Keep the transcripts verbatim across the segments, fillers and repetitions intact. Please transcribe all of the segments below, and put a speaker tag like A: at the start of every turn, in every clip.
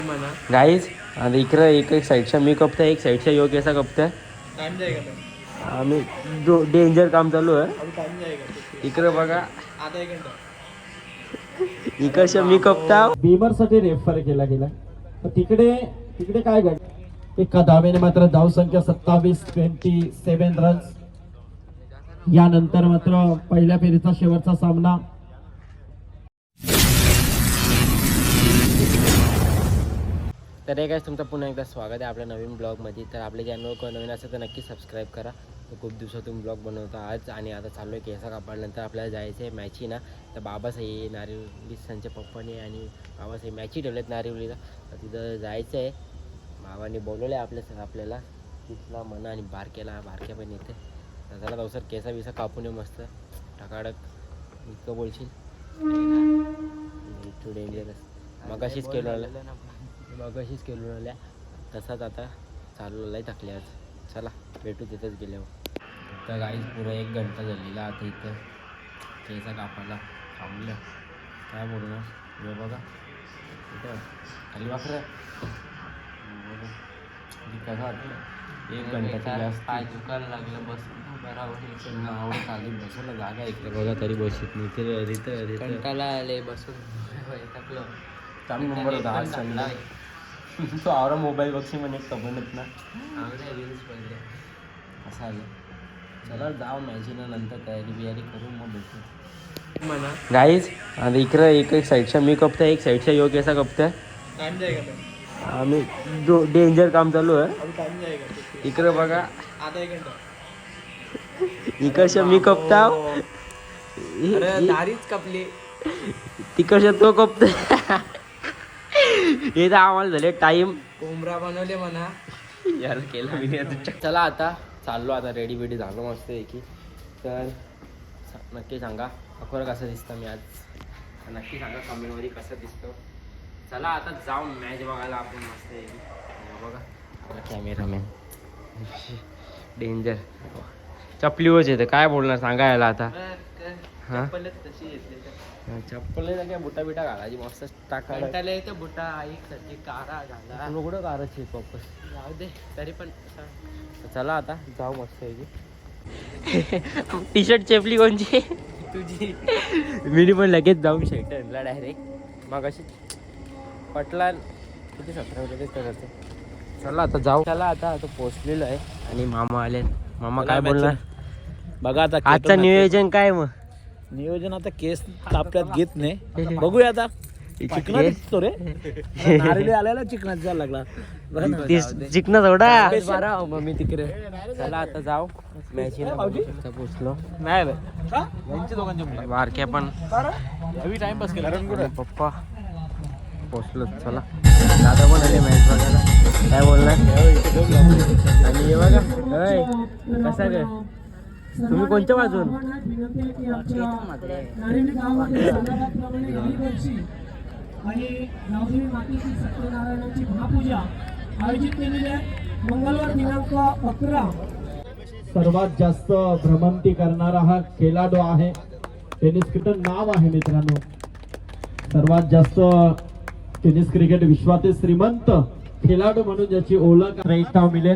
A: Guys आता इकडं एक एक साईडच्या मी कपता एक साईडच्या योग असा कपता आम्ही डेंजर काम चालू आहे इकडं बघा इकडच्या मी कपता
B: बीमर साठी रेफर केला गेला तर तिकडे तिकडे काय घडलं एका धावेने मात्र धाव संख्या सत्तावीस ट्वेंटी सेव्हन रन्स. यानंतर मात्र पहिल्या फेरीचा शेवटचा सामना
A: तर हे काय तुमचं पुन्हा एकदा स्वागत आहे आपल्या नवीन ब्लॉगमध्ये. तर आपल्या चॅनलवर कोण नवीन असेल तर नक्की सबस्क्राईब करा. तर खूप दिवसातून ब्लॉग बनवतो आज आणि आता चाललो आहे केसा कापडल्यानंतर आपल्याला जायचं आहे मॅची ना. तर बाबासाहेब नारिवली त्यांच्या पप्पाने आणि बाबासाहेब मॅची ठेवलेत नारिवलीला तर तिथं जायचं आहे. बाबांनी बोलवलं आहे आपल्या आपल्याला तिथला मना आणि बारक्याला बारक्या पण येते. तर त्याला जाऊ सर केसा बिसा कापून येऊ मस्त टकाडक इतकं बोलशील टू डेंजरस मग अशीच केलं मग अशीच केलं आल्या तसाच आता चालू आहे थकले आज. चला भेटू तिथंच गेल्यावर. तर गाईच पुरं एक घंटा झालेला आता इथं केसा कापायला थांबलं काय बोलणार हे बघा इथं खाली वाखरं कसं वाटलं एक घंटा जास्त पाय दुखायला लागलं बसून बरोबर आवडत आली बसायला जागा इकडे बघा तरी बसत नाही ते रिथं कंटाला आले बसून थकलं चांगली नंबर होता आज चांगला तो आवरा मोबाईल बघशी म्हणे कबनत ना रील्स पहिले असं आलं. चला जाऊ मॅचीला नंतर तयारी बियारी करून मग भेटू म्हणा गाईज आता इकडं एक एक साईडच्या मी कपता एक साईडच्या योग असा कपता आम्ही डेंजर काम चालू आहे इकडं बघा इकडच्या मी कपता
C: दारीच कपली
A: तिकडच्या तो कपता हे तर आम्हाला झाले टाइम
C: कोंबरा बनवले म्हणा
A: यार केलं मी चला आता चाललो आता रेडी बेडी झालो मस्त की. तर नक्की सांगा अखोर कसं दिसतं मी आज नक्की सांगा कमेंटमध्ये कसं दिसतो. चला आता जाऊ मॅच बघायला आपण मस्त आहे बघा आपला कॅमेरामॅन डेंजर चपलीवरच येतं काय बोलणार सांगा याला आता हां चप्पल काय बुटा बिटा घालायची मस्त टाकायला
C: येतं बुटा ऐक साठी कारा घाला
A: कुठं कारायची वापस
C: जाऊ दे तरी पण
A: चला आता जाऊ मस्त आहे टी शर्ट चेपली कोणची
C: तुझी
A: मी पण लगेच जाऊन शर्ट आणला डायरेक्ट मग अशी पटला किती सतरा रुपये करते. चला आता जाऊ चला आता आता पोचलेलो आहे आणि मामा आले. मामा काय बोलणार
B: बघा आता
A: आजचं नियोजन काय मग
B: नियोजन आता केस तापल्यात घेत नाही बघूया आता चिकना दिसतो रे नारिले आल्याला चिकनात जायला लागला
A: चिकना थोडा
C: बारा मग मी तिकडे
A: चला आता जाऊ मॅचीला पोचलो
B: नाही
A: बारक्या पण
B: टाइमपास केला
A: पप्पा पोचलो. चला दादा पण आले मॅच बघायला काय बोलणार आणि हे बघा अय कसा काय तुम्ही कोणत्या बाजून
D: आणि गावदेवी मातेची सत्यनारायणाची महापूजा आयोजित केलेली आहे मंगळवार दिनांक अकरा.
B: सर्वात जास्त भ्रमंती करणारा हा खेळाडू आहे. टेनिस क्रिकेट नाव आहे मित्रांनो. सर्वात जास्त टेनिस क्रिकेट विश्वातील श्रीमंत खेळाडू म्हणून ज्याची ओळख एक नाव मिळेल.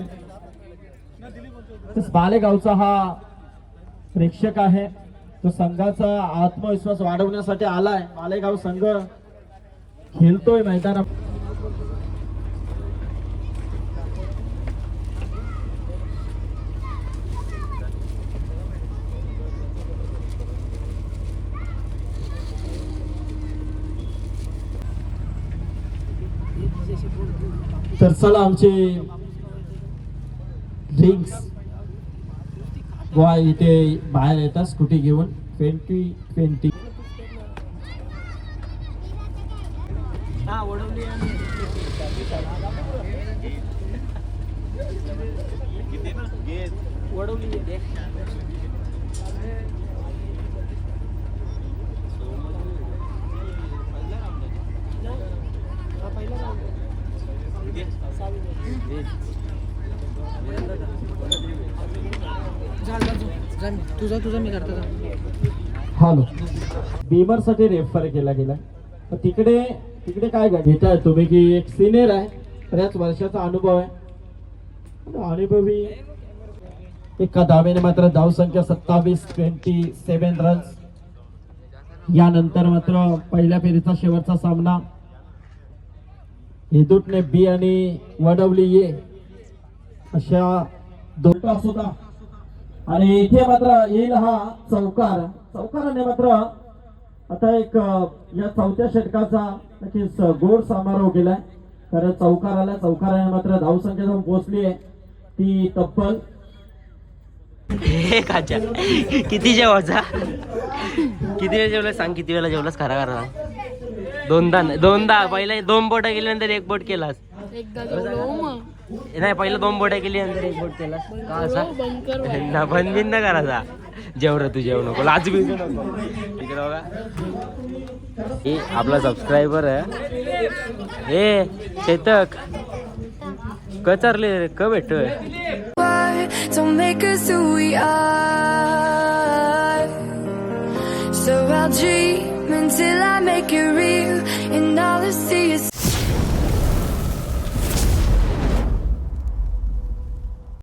B: बालेगावचा हा प्रेक्षक आहे तो संघाचा आत्मविश्वास वाढवण्यासाठी आलाय. बालेगाव संघ खेळतोय मैदानात. तर चला आमचे ड्रिंक्स बॉय इथे बाहेर येतात स्कूटी घेऊन ट्वेंटी ट्वेंटी
C: तुझा तुझा मी करतो.
B: हॅलो बीमर साठी रेफर केला गेला तर तिकडे तिकडे काय घेताय तुम्ही की एक सिनियर आहे, बऱ्याच वर्षाचा अनुभव आहे, अनुभवी एका धावेने मात्र धाव संख्या सत्तावीस ट्वेंटी सेव्हन रन्स. यानंतर मात्र पहिल्या फेरीचा शेवटचा सामना हेदूटने बी आणि वडवली ए अशा दोन तास होता. आणि इथे मात्र येईल हा चौकार. चौकाराने मात्र आता एक या चौथ्या षटकाचा नक्कीच गोड समारोह केलाय. कारण चौकाराला चौकाराने मात्र धावसंख्या जाऊन पोहोचली आहे ती तब्बल
A: हे काच्या किती जेवायचा किती वेळा जेवलास सांग, किती वेळा जेवलास खरा खरा? दोनदा दोनदा. पहिला दोन बोट केल्यानंतर एक बोट केलास.
C: एकदा जेवलो मग
A: नाही, पहिलं दोन बोट केली नंतर एक बोट केलास का असा? ना बंद बिन न करायचा. जेव रे तू, जेव नको, लाज बी नको. इकडे बघा, हे आपला सबस्क्रायबर आहे हे चेतक. कचरले रे क भेटतोय.
E: Don't make us who we are. So I'll dream until I make it real, and all I see is